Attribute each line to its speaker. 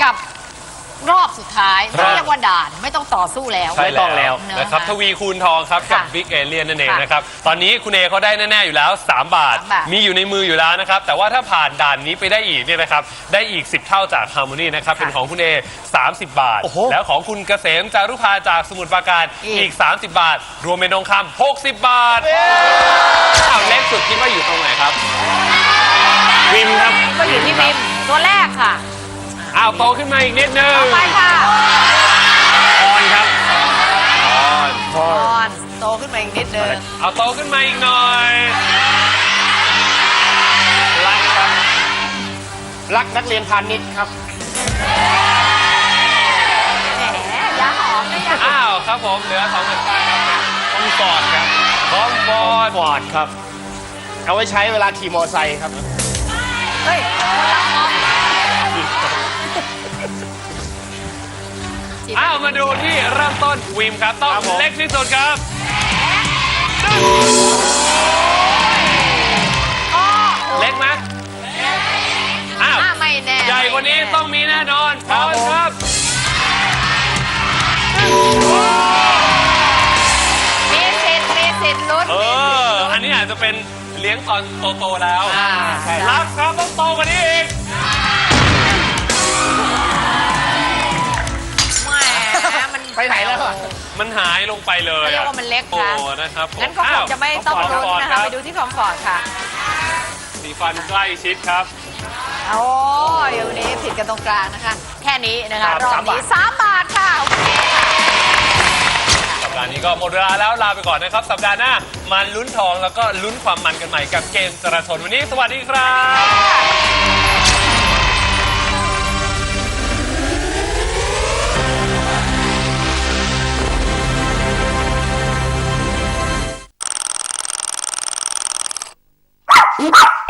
Speaker 1: กับรอบสุดท้ายเรียกว่าด่านไม่ต้องต่อสู้แล้ว
Speaker 2: ไม่ต้องแล้ว
Speaker 3: นะครับทวีคูณทองครับกับ
Speaker 1: ค่ะ
Speaker 3: บิ๊กเอเลียนนั่นเอง
Speaker 1: ค่ะ
Speaker 3: นะครับตอนนี้คุณเอเขาได้แน่ๆอยู่แล้ว3 บาท
Speaker 1: 3 บาท
Speaker 3: มีอยู่ในมืออยู่แล้วนะครับแต่ว่าถ้าผ่านด่านนี้ไปได้อีกเนี่ยนะครับได้อีก10 เท่าจากฮาร์โมนีนะครับเป็นของคุณเอ30 บาท
Speaker 2: โอ้โห
Speaker 3: แล้วของคุณเกษมจารุภาจากสมุทรปราการอีก30 บาท รวมเป็นทองคำ60 บาทอ้าวเล็กสุดคิดว่าอยู่ตรงไหนครับ
Speaker 2: วิมครับ
Speaker 1: ก็อยู่ที่บิมตัวแรกค่ะ
Speaker 3: อ้าวโตขึ้นมาอีกนิดนึง
Speaker 1: ต่อไปค่ะ
Speaker 2: ออนครับ
Speaker 1: ออนโตขึ้นมาอีกนิดนึง
Speaker 3: เอาโตขึ้นมาอีกหน่อย
Speaker 2: รักครับ รักนักเรียนพาณิชย์ครับ
Speaker 1: แหมยาหอมนะยาหอม
Speaker 3: อ้าวครับผมเหลือ2 แผ่นป้ายครับ
Speaker 2: คอมฟอร์ดครับ
Speaker 3: คอมฟอร์ต
Speaker 2: ฟอร์ดครับ เอาไว้ใช้เวลาขี่มอไซค์ครับ
Speaker 1: เฮ้ยคนละหอม
Speaker 3: อ้าวมาดูที่เริ่มต้นวิมครับต้อง
Speaker 2: ครับผม
Speaker 3: เล็กที่สุดครับ
Speaker 1: อ๋อ
Speaker 3: เล็กไหมอ้าว
Speaker 1: ไม่แน่
Speaker 3: ใหญ่กว่านี้ต้องมีแน่นอนพร้อมครับ
Speaker 1: มีสิทธิ์ลุ้น
Speaker 3: อันนี้อาจจะเป็นเลี้ยงตอนโตๆแล้ว
Speaker 2: ใช่
Speaker 3: รับครับต้องโตกว่านี้อีก
Speaker 1: แหมมัน
Speaker 2: ไปไหนแล้วอะ
Speaker 3: มันหายลงไปเลย
Speaker 1: เรียกว่ามันเล็ก
Speaker 3: โอ้
Speaker 1: นะ
Speaker 3: นะครับผม
Speaker 1: งั้นก็คงจะไม่ต้องลุ้นนะคะไปดูที่คอมฟอร์ตค่ะ
Speaker 3: สีฟันใกล้ชิดครับ
Speaker 1: โอ้ยเดี๋ยวนี้ผิดกันตรงกลางนะคะ แค่นี้นะคะ
Speaker 2: ครับ
Speaker 1: รอบนี้3 บาทค่ะโอเคค่ะ
Speaker 3: สัปดาห์นี้ก็หมดเวลาแล้วลาไปก่อนนะครับ สัปดาห์หน้ามาลุ้นทองแล้วก็ลุ้นความมันกันใหม่กับเกมจราชนวันนี้สวัสดีครับ
Speaker 1: ค่ะ